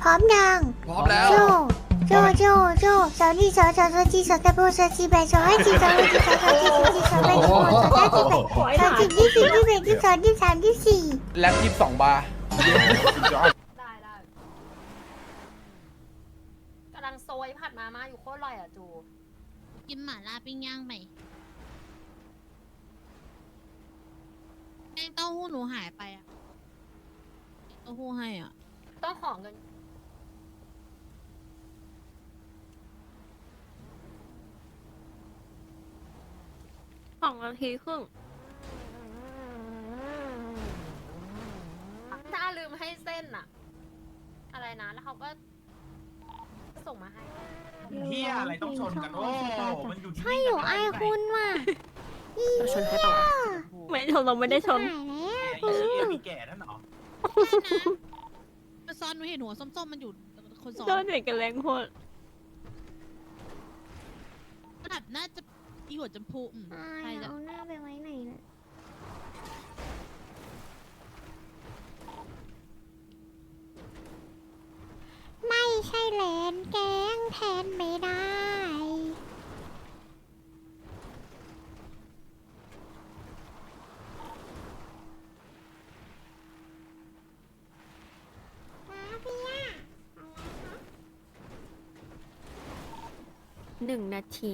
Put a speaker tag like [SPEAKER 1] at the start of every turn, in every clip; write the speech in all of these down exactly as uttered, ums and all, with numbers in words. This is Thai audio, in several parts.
[SPEAKER 1] ร้อมยัง
[SPEAKER 2] พร้อมแล้ว
[SPEAKER 1] โจโจโจโจสาวนี่สาวสาวสาวจีสาวตะโบสาวจีแบสาวให้จีสาวให้จีสาวสาวจีสาวจีสาวแบสาวสาวจีแบสาวจีที่สี่ที่แบที่สองที่สามที่สี่
[SPEAKER 2] แล็บยี่สิบสองบาร์
[SPEAKER 3] ได้ได้กำลังโซยผัดมาม่าอยู่โคตรอร่อยอ่ะจู
[SPEAKER 4] กินหม่าล่าปิ้งย่างไหมแป้งเต้าหู้หนูหายไปอะเต้าหู้ให้อ่ะ
[SPEAKER 3] ต้องขอเงิน
[SPEAKER 5] สองนาทีครึ่ง
[SPEAKER 3] ถ้าลืมให้เส้นอะอะไรนะแล้วเขาก็ส่งมาให้
[SPEAKER 6] เฮียอะไรต้องชนกันโอ้มันอยู่ที่
[SPEAKER 1] ใช่อยู่ไอคุณว่ะอี
[SPEAKER 5] เราชนใครต่อไม่ชนเราไม่ได้ชน
[SPEAKER 1] หายแล้ว
[SPEAKER 6] ไอ้เฮียมีแก่นั่นเหรอ
[SPEAKER 4] มันซ้อนหนูเห็นหัวส้มๆมันอยู่คนซ้อน
[SPEAKER 5] โดนเด็กกันแรงโคตร
[SPEAKER 4] แบบน่าจะอีหัวจมพูอืม
[SPEAKER 1] อาย
[SPEAKER 4] ใช่แล้ว
[SPEAKER 1] เอาหน้าไปไว้ไหนน่ะไม่ใช่แลนแกงแทนไม่ได้มาพี่ย่า
[SPEAKER 5] หนึ่งนาที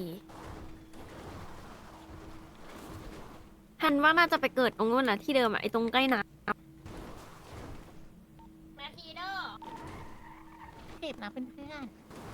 [SPEAKER 5] ทันว่าน่าจะไปเกิดตรงนู้นนะที่เดิมอะไอตรงใกล้น้
[SPEAKER 3] นาทีเด้อ
[SPEAKER 5] ำเก็บนะเพื่อน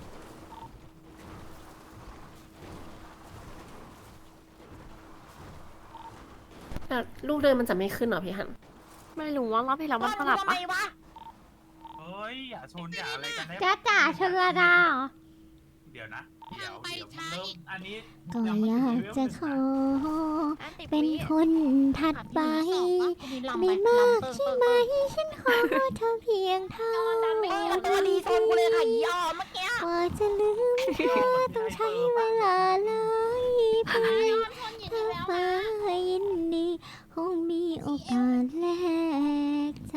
[SPEAKER 7] แต่ลูกเดินมันจะไม่ขึ้นเหรอพี่ฮัน
[SPEAKER 5] ๆไม่รู้ว่ารอบที่แล้วมันสลับปะ
[SPEAKER 6] เฮ้ยอย่าชนอย่าอะไรกันได้
[SPEAKER 1] จ้าจ๋าชลดาเหรอ
[SPEAKER 6] เดี๋ยวนะเดี๋ยว
[SPEAKER 4] ไป
[SPEAKER 6] เดี๋ยว
[SPEAKER 4] ช้า
[SPEAKER 6] เริ่ม
[SPEAKER 4] อีก
[SPEAKER 6] อันนี้
[SPEAKER 1] ก็อยากจะขอ เป็นคนถัดไป ไม่มากใช่ไหม ฉันขอเธอเพียงเท่านี้ตัวดีชนกูเลยค่ะยอมเมื่อกี้ว่าจะลืมเธอต้องใช้เวลาหลายปีเธอมายินดีคงมีโอกาสแลกใจ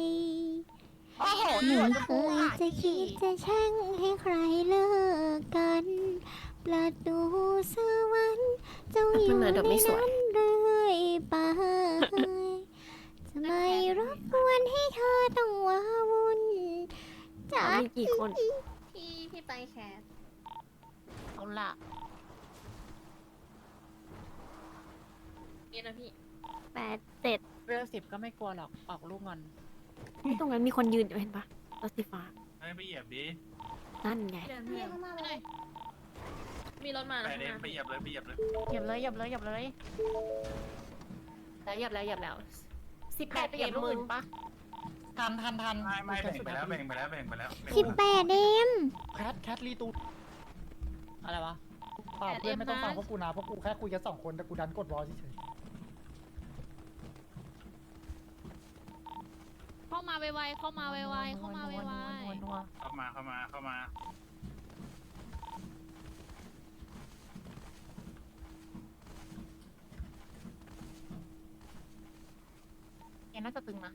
[SPEAKER 1] ไม่เคยจะคิดจะแช่งให้ใครเลิกกันประตูสวรรค์เจ้าอยู่ในนั้นเรื่อยไปจะไม่รบกวนให้เธอต้องว้าวุ่นจา
[SPEAKER 5] มีกี่คน
[SPEAKER 3] พี่พี่ไปแคส
[SPEAKER 5] เอาละ
[SPEAKER 3] นี่นะพี่
[SPEAKER 5] แปดเจ็ด
[SPEAKER 8] เวลสิบก็ไม่กลัวหรอก ออกลูกงอน
[SPEAKER 5] ไอ้ตรงนั้นมีคนยืนอยู่เห็นปะรถสีฟ้า
[SPEAKER 6] ให้ไปเหยียบดิ
[SPEAKER 5] นั่นไง
[SPEAKER 3] พี่เข้ามาเลยมีรถมา
[SPEAKER 6] ไป
[SPEAKER 3] นะ
[SPEAKER 6] เดินไปเหยียบเลยไปเหยียบเลย
[SPEAKER 8] เหยียบเลยเหยียบเลยเหยียบเลย
[SPEAKER 7] แล้วเหยับแล้วเหยับแล้วสิบแปด
[SPEAKER 8] ไปเหยียบลูกอื่นปะทันทันทัน
[SPEAKER 6] ไม่ไม่แบ่งไปแล้วแบ่งไปแล้วแบ่งไปแล้วแบ่ง
[SPEAKER 1] สิบแปดเอ็ม
[SPEAKER 8] แคทแคทรีตูอะไรวะเปล่าเพื่อนไม่ต้องฟังพวกกูนะพวกกูแค่คุยกันสองคนแต่กูดันกดรอเฉย
[SPEAKER 4] เข้ามาไวๆเข้ามาไวๆเข้ามาไว
[SPEAKER 6] เข้ามาเข้ามาเข้ามา
[SPEAKER 8] ๆแกน่าจะตึงนะ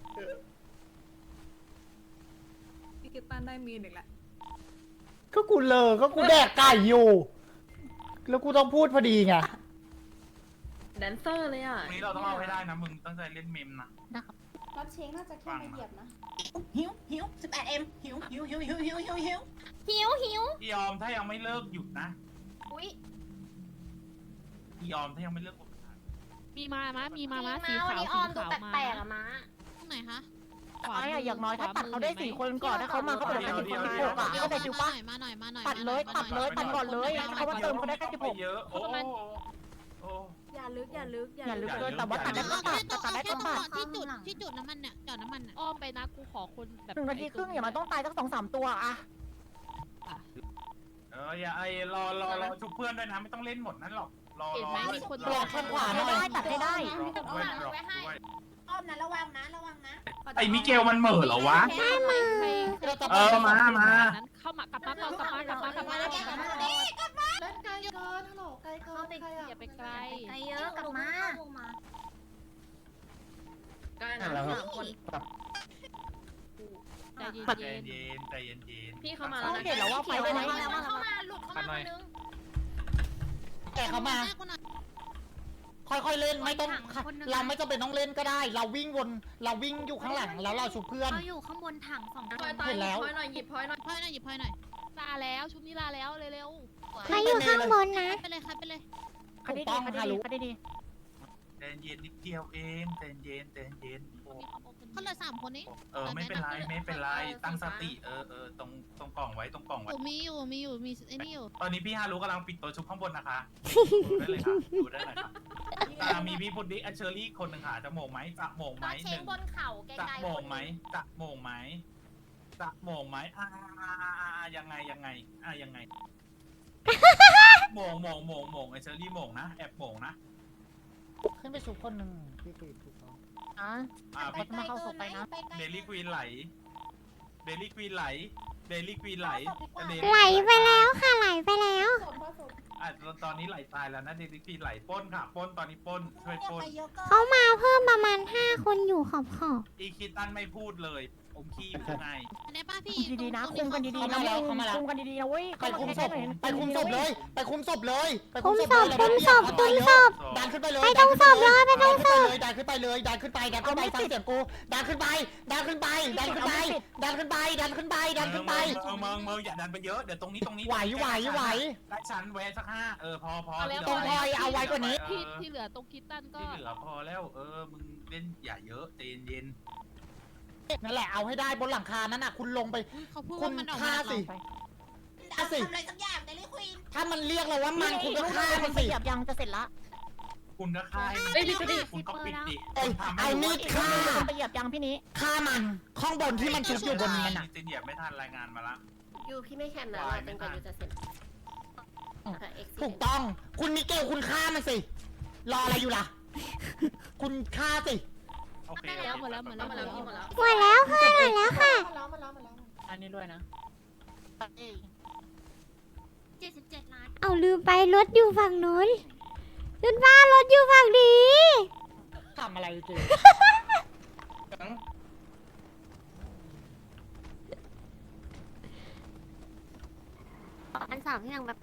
[SPEAKER 9] พี่กิตตันได้มีนอีกแล้ว
[SPEAKER 8] ก็กูเลอก็กูแดกไก่อยู่ แล้วกูต้องพูดพอดีไง
[SPEAKER 9] แดนเซอร์เลยอ่ะ
[SPEAKER 6] วันนี้เราต้องเอาให้ได้นะมึงตั้งใจเล่นเมมนะ
[SPEAKER 9] รับเชงน่าจะแค่มาเหยียบนะ
[SPEAKER 7] หิวหิวสิบแปดเอ็มหิวหิวหิวหิวหิวหิวหิว
[SPEAKER 3] หิวหิว
[SPEAKER 6] พี่ยอมถ้ายังไม่เลิกหยุดนะ
[SPEAKER 3] อุ้ย
[SPEAKER 6] พี่ยอมถ้ายังไม่เลิกกด
[SPEAKER 4] ๆมีมามามีมามาสี
[SPEAKER 3] มาวัน
[SPEAKER 4] ขาว
[SPEAKER 3] นี้อ
[SPEAKER 4] สี
[SPEAKER 3] อมดู
[SPEAKER 4] ขาวมา
[SPEAKER 3] แปลกๆอะมา
[SPEAKER 4] ตรงไหนคะ
[SPEAKER 8] ไอ้อะอย่างน้อยถ้าตัดเขาได้สี่คนก่อนถ้าเขามาเขาเป็นแค่สิบคนหกอะเข้าใจจูปะ
[SPEAKER 4] มาหน่อยมาหน่อย
[SPEAKER 8] ตัดเลยตัดเลยตัดก่อนเลยเขามาเติมเขาได้แค่สิบหก
[SPEAKER 6] เยอะโอ้โอ้
[SPEAKER 9] อย่าลึกอย่าลึก
[SPEAKER 8] อย่าลึกเลยแต่ว่าตัดได้ก็ตัดตัดได้ก็ตัด
[SPEAKER 4] ที่จุดที่จุดน้ำมันเนี่ยจอดน้ำมันอ้อมไปนะกูขอคนแบบ
[SPEAKER 8] หนึ่งนาทีครึ่งอย่ามาต้องตายสักสองสามตัวอะ
[SPEAKER 6] เอออย่าไอ้รอรอรอชุบเพื่อนด้วยนะไม่ต้องเล่นหมดนั้นหรอกรอ
[SPEAKER 4] เห็น
[SPEAKER 6] รอ
[SPEAKER 4] ไหมมีคน
[SPEAKER 8] เปลี่ยนแข้งขวาให้ได้ตัดให้ได้
[SPEAKER 6] รอด้วยรอด้วย
[SPEAKER 7] อ้อมนะระวังนะระวังนะ
[SPEAKER 6] ไอ้มิเกลมันเหม่อเหรอวะ เออมามา
[SPEAKER 4] เข้ามากลับมาก่อนกลับมากลับมากลับมากลับมา
[SPEAKER 9] เล่นไกลเกินฮัลโหลไกลเกินใครอ่ะ
[SPEAKER 4] อย่าไปไกล
[SPEAKER 3] ไปเยอะกลับมา
[SPEAKER 9] ใกล้นะสามคน
[SPEAKER 4] ใจเย็น
[SPEAKER 6] ใจ
[SPEAKER 4] ๆ
[SPEAKER 6] เย็นใจเย็นเย็น
[SPEAKER 3] พี่เข้ามาแล้ว
[SPEAKER 8] เห็นแล้วว่าไฟ
[SPEAKER 3] เข้า
[SPEAKER 8] ไหม้
[SPEAKER 3] มาแล้วเข้ามาหลุดเข้ามาคนนึง
[SPEAKER 8] แกเข้ามา
[SPEAKER 4] แรกคนหน่อย
[SPEAKER 8] ค่อยๆเล่นไม่ต้องเราไม่จำเป็นต้องเล่นก็ได้ เราวิ่งวนเราวิ่งอยู่ข้างหลังแล้วเราชุบเพื่อน
[SPEAKER 1] เราอยู่ข้างบนถังสอง
[SPEAKER 3] พลอยตาย
[SPEAKER 8] เห็นแล้ว
[SPEAKER 3] พลอยหน่อยหยิบพลอยหน่อย
[SPEAKER 4] พลอยหน่อยหยิบพลอยหน่อยลาแล้วชุบนี้ลาแล้วเร็ว
[SPEAKER 1] ใครอยู่ข้างบนนะ
[SPEAKER 4] ๆไปเลยครับไปเลย
[SPEAKER 8] ถูกต้องฮารุ
[SPEAKER 6] ใจเย็นนิดเดียวเองใจเย็นใจเย็นโอ้
[SPEAKER 4] เขาเหลือสามคนนี้
[SPEAKER 6] เออไม่เป็นไรไม่เป็นไรตั้งสติเออเออตรงตรงกล่องไว้ตรงกล่อง
[SPEAKER 4] อ
[SPEAKER 6] ไว้
[SPEAKER 4] ยู่มีอยู่มีอยู่มีไอ้นี่อยู่
[SPEAKER 6] ตอนนี้พี่ฮารุกำลังปิดตัวชุบข้างบนนะคะดูได้เลยค่ะดูได้เลยค่ะอ่ามีพี่พุดดิ้งอันเชอรี่คนหนึ่งค่ะจะโมงไหมจะโมงไหม
[SPEAKER 3] ตาเช
[SPEAKER 6] ห
[SPEAKER 3] ง
[SPEAKER 6] นึ่ง
[SPEAKER 3] บนเข่าไก
[SPEAKER 6] จะ
[SPEAKER 3] ลๆ
[SPEAKER 6] โมง
[SPEAKER 3] คน
[SPEAKER 6] ไหมจะโมงไหมจะโมงไหมอ่ายังไงยังไงอ่ายังไงโมงโมงโมงโมงไอเชอรี่โมงนะแอบโมงนะ
[SPEAKER 8] ขึ้นไปชุบคนหนึ่งพี่กรีดถูกต้อง
[SPEAKER 3] อ่ะ
[SPEAKER 6] อ่าพี่
[SPEAKER 3] มาเข้าศพไปนะ
[SPEAKER 6] เดลี่ควีนไหลเดลี่ควีนไหลเดลี่ควีนไหล
[SPEAKER 1] ไหลไปแล้วค่ะไหลไปแล้ว
[SPEAKER 6] อ่ะตอนนี้ไหลตายแล้วนะเดลี่ควีนไหลป้นค่ะป้นตอนนี้ป้นช่วยป้น
[SPEAKER 1] เขามาเพิ่มประมาณห้าคนอยู่ขอบขอบ
[SPEAKER 6] อีคิตันไม่พูดเลยอมขี้อยู่ไง
[SPEAKER 4] อันนี้ป้าพี่
[SPEAKER 9] ดีๆนะ
[SPEAKER 4] ตรง
[SPEAKER 9] คุมกันดี
[SPEAKER 8] เข้า
[SPEAKER 9] ๆ
[SPEAKER 8] มา
[SPEAKER 9] นะ
[SPEAKER 8] แล้วเข้ามาแล้ว
[SPEAKER 9] คุมกันดีๆนะเว้ย
[SPEAKER 8] ไปคุมศพ
[SPEAKER 9] เข้าา
[SPEAKER 8] ไปคุมศพเลย ไปคุมศพเลยไป
[SPEAKER 1] คุมศพ
[SPEAKER 8] เลย
[SPEAKER 1] คุมศพคุมศพ
[SPEAKER 8] ดันขึ้นไปเลย
[SPEAKER 1] ไปตรงศพเลยไปตรงศพ
[SPEAKER 8] ดันขึ้นไปเลยดันขึ้นไปดันขึ้นไปฟังเสียงกูดันขึ้นไปดันขึ้นไปดันขึ้นไปดันขึ้นไปดันขึ้นไปดันขึ้นไป
[SPEAKER 6] เมืองเมืองเมืองอย่าดันไปเยอะเดี๋ยวตรงนี้ตรงนี้
[SPEAKER 8] ไหวไหวไหว
[SPEAKER 6] ได้ชั้นแวะสักห้าเออพอพอ
[SPEAKER 8] ตรงพลอยเอาไว้กว่านี้
[SPEAKER 4] ที่ที่เหลือตรงคิตตันก็
[SPEAKER 6] ที่เหลือพอแล้วเออมึงเล่นอย่าเยอะใจเย็น
[SPEAKER 8] นั่นแหละเอาให้ได้บนหลังคานั้นน่ะคุณลงไป
[SPEAKER 4] เขาพูด
[SPEAKER 8] คุ
[SPEAKER 4] ว่า
[SPEAKER 8] ณ
[SPEAKER 4] มันออก
[SPEAKER 8] ฆ่า
[SPEAKER 4] มา
[SPEAKER 8] สิ
[SPEAKER 7] ทำอะไรสักอย่างเดลี่ควีน
[SPEAKER 8] ถ้ามันเรียกเราว่ามันคุณก็ฆ่ามันสิ
[SPEAKER 9] เหยียบยังจะเสร็จละ
[SPEAKER 6] คุณก็ฆ่า
[SPEAKER 3] เอ้ยพี่สุดี
[SPEAKER 6] คุณก็ปิดดิ
[SPEAKER 8] เอ้ยเอามีดฆ่า
[SPEAKER 9] คุณไปเหยียบยังพี่นี้
[SPEAKER 8] ฆ่ามันข้างบนที่มันชุบอยู่บนนั้นน่ะ
[SPEAKER 6] จินเหยียบไม่ทันรายงานมาละ
[SPEAKER 3] ยูพี่ไม่แข่งนะรอจนกว่ายูจะเสร็จ
[SPEAKER 8] ถูกต้องคุณมิเกลคุณฆ่ามันสิรออะไรอยู่ล่ะ คุณฆ่าสิ
[SPEAKER 6] โอเค
[SPEAKER 4] แล้วหมดแล้วหมดแล้ว
[SPEAKER 3] หมดแล้วพี่หมดแล้ว
[SPEAKER 1] หมดแล้วเพื่อนหมดแล้วค่ะ
[SPEAKER 9] มาแล้วมาแล้วมาแล้ว
[SPEAKER 8] อันนี้ด้วยนะ
[SPEAKER 1] เจ็ดสิบเจ็ดล้านเอาลืมไปรถอยู่ฝั่งนู้นรถบ้านรถอยู่ฝั่งนี้
[SPEAKER 8] ทำอะไรจริง
[SPEAKER 5] อันสามที่ยังแบบ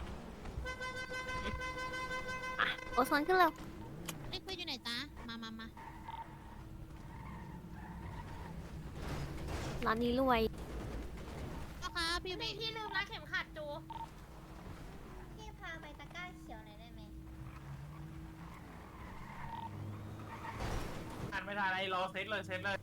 [SPEAKER 5] อ่ะโอโซนขึ้นเร็ว
[SPEAKER 4] ไอ้คุยอยู่ไหนจ๊ะมามามา
[SPEAKER 5] ร้านนี้รวย
[SPEAKER 4] เอาครับพี่
[SPEAKER 3] พี่
[SPEAKER 4] พี่
[SPEAKER 3] พี่ลืมรัดเข็มขัดจู
[SPEAKER 1] พี่พาไปตะกร้าเขียวหน่อยได้ไหม
[SPEAKER 6] ทันไม่ทันไอ้รอเซตเลยเซตเลย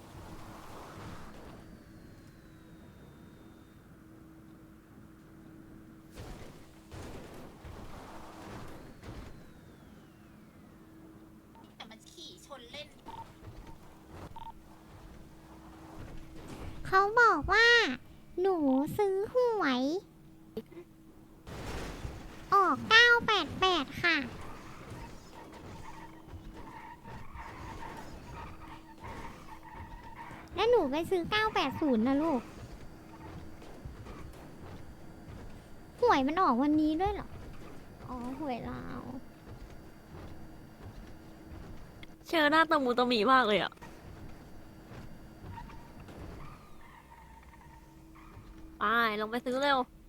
[SPEAKER 7] แต่มันขี่ชนเล่น
[SPEAKER 1] เขาบอกว่า หนูซื้อหวย ออกเก้าแปดแปดค่ะ แล้วหนูไปซื้อเก้าแปดศูนย์นะลูก หวยมันออกวันนี้ด้วยเหรอ อ๋อ หวยลาว
[SPEAKER 5] เชอหน้าตะมูตะหมีมากเลยอ่ะไปลงไปซื้อเร็ว